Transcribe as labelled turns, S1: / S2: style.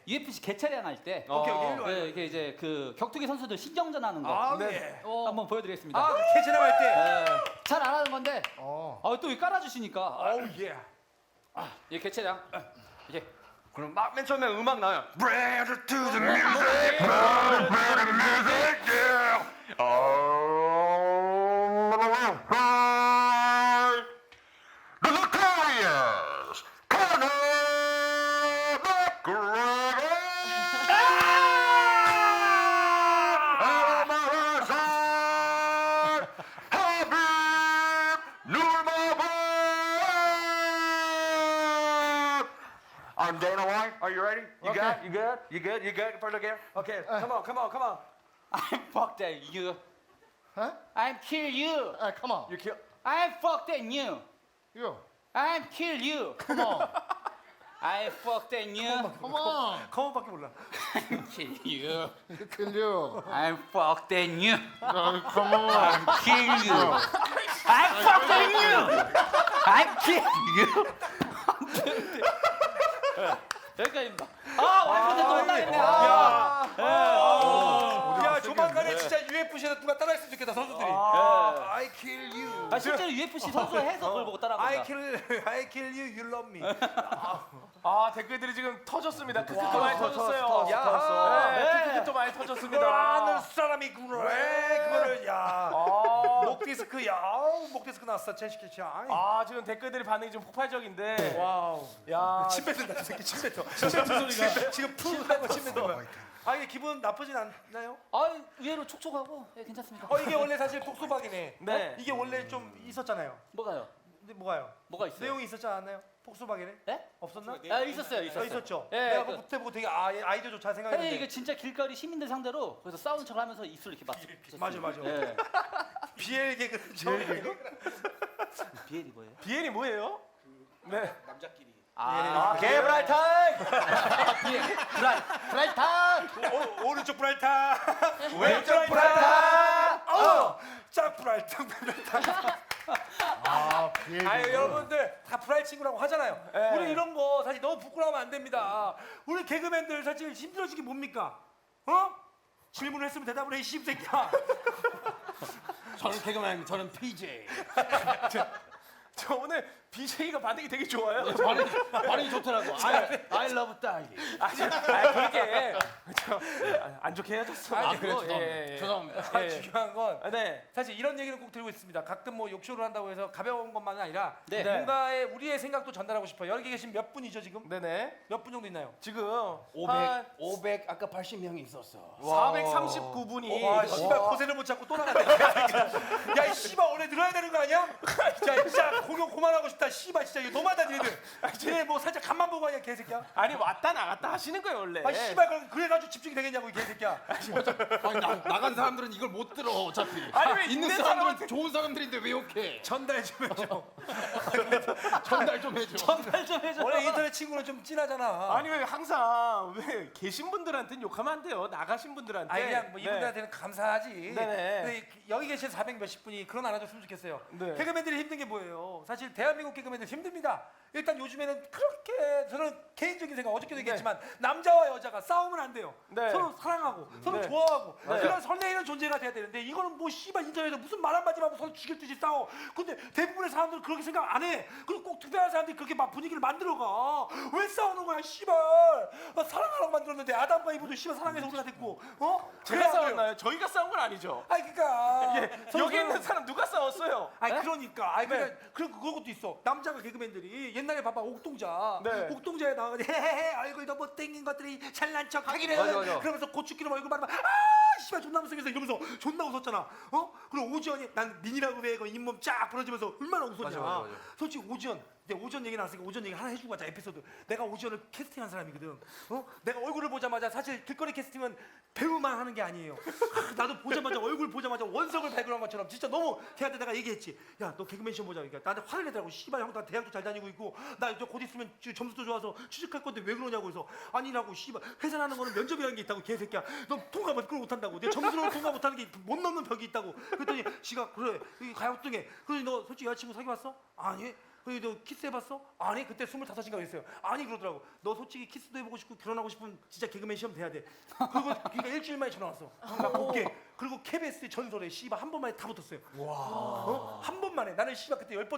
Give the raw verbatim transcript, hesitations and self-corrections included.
S1: 유에프씨 개차량 할 때
S2: 오케이 오케이 일로 와.
S1: 네, 이게 이제 그 격투기 선수들 신경전 하는 거
S2: 아
S3: 네.
S2: 예.
S1: 어, 한번 보여드리겠습니다.
S2: 아 캐치랑 할 때.
S1: 잘 안 하는 건데
S3: 어.
S1: 아, 또 깔아주시니까
S2: 어우 예.
S1: 이 개차량 이게
S2: 그럼 막 맨 처음에 음악 나와요. Bread to the music, bread to the music, yeah. The Notorious Conor McGregor. Habib Nurmagomedov. I'm Dana White. Are you ready? You
S3: Okay.
S2: good? You good? You good? You good? First again? Okay. Come on, come on, come on.
S1: I'm fuck that you
S3: Huh?
S1: I'm kill you
S3: Uh, come on.
S2: You kill.
S1: I'm fuck that you
S3: You.
S1: I'm kill you
S3: Come on.
S1: I fuck that you
S3: Come on.
S2: 커먼밖에 몰라.
S1: I'm kill you
S3: Kill you.
S1: I'm fuck that you
S3: Uh, come on.
S1: kill you I'm fuck that you I'm kill you 여기까지입니다. 아 와이프한테 또 올라했네. 아,
S2: 야, 야 조만간에 진짜 유에프씨에서 누가 따라했으면 좋겠다 선수들이.
S1: 아,
S2: I kill you.
S1: 아 실제로 유에프씨 선수가 해서 그걸 보고 따라한
S2: I
S1: 거다.
S2: kill, I kill you, you love me.
S4: 아 댓글들이 지금 터졌습니다. 크크크
S2: 와,
S4: 많이
S2: 터졌어,
S4: 터졌어요.
S2: 터졌어,
S4: 야,
S2: 터졌어.
S4: 네,
S1: 네.
S4: 크크크 또 많이
S2: 그걸
S4: 터졌습니다.
S2: 아는 사람이구나. 그거를 야,
S4: 아,
S2: 목 디스크, 야, 아우, 목 디스크 났어, 첸시키치. 아이.
S4: 아 지금 댓글들이 반응이 좀 폭발적인데.
S2: 와우.
S4: 야,
S2: 침 뱉는다, 저 새끼 침 뱉어. 침 뱉는 소리가 지금 푸 하고 침 뱉는 거야. 아 이게 기분 나쁘진 않나요?
S1: 아 의외로 촉촉하고 예, 괜찮습니다.
S2: 어 이게 원래 사실 폭소박이네.
S4: 네.
S2: 이게 원래 좀 있었잖아요.
S1: 뭐가요?
S2: 근데 뭐가요?
S1: 뭐가 있어요?
S2: 내용이 있었지 않았나요? 폭소박이네?
S1: 네?
S2: 없었나?
S1: 아 있었어요,
S2: 어,
S1: 있었어요.
S2: 있었죠.
S1: 예,
S2: 내가
S1: 그-
S2: 그때 보고 되게 아, 아이디어도 잘
S1: 아니
S2: 생각했는데.
S1: 이게 진짜 길거리 시민들 상대로 그래서 싸우는 척하면서 입술 이렇게 맞.
S2: 맞아, 맞아.
S1: 예.
S2: 비엘 개그 비엘 개그?
S1: 비엘이 뭐예요?
S4: 비엘이 뭐예요? 네.
S1: 아,
S2: 개브랄 타임!
S1: 비엘. 브라이, 브라이 타.
S2: 오, 오른쪽 브랄타!
S4: 왼쪽 브랄타!
S2: 어! 짝 브랄타! 브랄타!
S3: 아, 비엘.
S2: 아유 여러분들 다 브랄 친구라고 하잖아요.
S4: 네.
S2: 우리 이런 거 사실 너무 부끄러우면 안 됩니다. 우리 개그맨들 사실 힘들어진 게 뭡니까? 어? 질문을 했으면 대답을 해, 이 씹새끼야.
S4: 저는 개그맨, 저는 피제이. 저, 저 오늘 비제이가 반응이 되게 좋아요.
S1: 반응, 반응이 좋더라고. I, I love 딸기.
S4: 아, 저, 아 그렇게 저, 아, 안 좋게 헤어졌어.
S2: 아,
S1: 그래, 죄송합니다.
S4: 예, 예.
S1: 죄송합니다.
S2: 아,
S4: 예.
S2: 중요한 건
S4: 아, 네.
S2: 사실 이런 얘기를 꼭 드리고 있습니다. 가끔 뭐 욕쇼를 한다고 해서 가벼운 것만은 아니라
S1: 네.
S2: 뭔가의 우리의 생각도 전달하고 싶어요. 여기 계신 몇 분이죠 지금?
S4: 네네.
S2: 몇 분 정도 있나요?
S4: 지금
S5: 오백, 오백 아까 팔십 명이 있었어.
S4: 사백삼십구 분이
S2: 와, 씨발 고세를 못 잡고 또 나갔네. 야, 이 씨발 원래 늘어야 되는 거 아니야? 야, 진짜 공연 그만하고 싶다. 씨발 진짜 이거 너무하다 니네들. 니네 뭐 살짝 간만 보고 하냐 개새끼야.
S4: 아니 왔다 나갔다 하시는 거예요 원래.
S2: 아, 씨발 그럼 그래가지고 집중이 되겠냐고 이 개새끼야.
S5: 아니 나, 나간 사람들은 이걸 못 들어 어차피.
S4: 아니, 왜
S5: 있는
S4: 있는
S5: 사람들은
S4: 사람한테-
S5: 좋은 사람들인데 왜 욕해?
S2: 전달 좀 해줘.
S5: 전달 좀 해줘.
S1: 전달 좀 해줘.
S2: 원래 인터넷 친구는 좀 진하잖아.
S4: 아니 왜 항상 왜 계신 분들한테는 욕하면 안 돼요. 나가신 분들한테.
S2: 아니 그냥 뭐
S4: 네.
S2: 이분들한테는 감사하지.
S4: 네네.
S2: 근데 여기 계신 사백 몇십 분이 그런 안 해줬으면 좋겠어요.
S4: 네.
S2: 개그맨들이 힘든 게 뭐예요? 사실 대한민국 개그맨들 힘듭니다. 일단 요즘에는 그렇게 저는 개인적인 생각 어저께도 얘기했지만 남자와 여자가 싸우면 안 돼요.
S4: 네.
S2: 서로 사랑하고 서로
S4: 네.
S2: 좋아하고
S4: 네.
S2: 그런 설레이는 존재가 돼야 되는데 이거는 뭐 씨발 인터넷에서 무슨 말 한마디 하고 서로 죽일 듯이 싸워. 근데 대부분의 사람들은 그렇게 생각 안 해. 그리고 꼭 특별한 사람들이 그렇게 막 분위기를 만들어가. 왜 싸우는 거야 씨발. 나 사랑하라고 만들었는데 아담과 이브도 씨발 사랑해서 우리가 됐고 어?
S4: 제가
S2: 그래, 안 그래요?
S4: 싸웠나요? 저희가 싸운 건 아니죠.
S2: 아니 그러니까
S4: 예,
S2: 서로
S4: 여기 있는
S2: 서로-
S4: 사람 누가 싸웠어요?
S2: 아니
S4: 네?
S2: 그러니까 아니 그러니까 그런 그런 것도 있어. 남자가 개그맨들이 옛날에 봐봐 옥동자
S4: 네.
S2: 옥동자에 나가서 헤헤헤 얼굴도 못생긴 것들이 잘난 척 하기는
S1: 맞아, 맞아.
S2: 그러면서 고추기름 얼굴 바르면 아 씨발 존나 못생겼어 이러면서 존나 웃었잖아. 어? 그리고 오지연이 난 민이라고 왜 그 잇몸 쫙 부러지면서 얼마나 웃었냐.
S1: 맞아, 맞아, 맞아.
S2: 솔직히 오지연 내가 오지연 얘기 나왔으니까 오지연 얘기 하나 해주고 가자 에피소드. 내가 오지연을 캐스팅한 사람이거든. 어? 내가 얼굴을 보자마자 사실 길거리 캐스팅은 배우만 하는 게 아니에요. 아, 나도 보자마자 얼굴 보자마자 원석을 발굴한 것처럼 진짜 너무 걔한테 내가 얘기했지. 야 너 개그맨 시험 보자. 그러니까 나한테 화를 내더라고. 씨발 형 나 대학도 잘 다니고 있고 나 이제 곧 있으면 지- 점수도 좋아서 취직할 건데 왜 그러냐고 해서 아니라고 씨발 회사라는 거는 면접이라는 게 있다고 개새끼야. 너 통과 못 그걸 못한다고. 내 점수로 통과 못하는 게 못 넘는 벽이 있다고. 그랬더니 지가 그래 이 가요등에 그러니 너 솔직히 여자친구 사귀어봤어? 아니 그래 너 키스 해봤어? 아니 그때 스물다섯인가 그랬어요. 아니 그러더라고. 너 솔직히 키스도 해보고 싶고 결혼하고 싶으면 진짜 개그맨 시험 돼야 돼. 그리고 그러니까 일주일 만에 전화 왔어. 나 볼게. 그리고 케이비에스 전설에 씨발 한 번만에 다 붙었어요. 와. 어? 한 번만에 나는 씨발 그때 열 번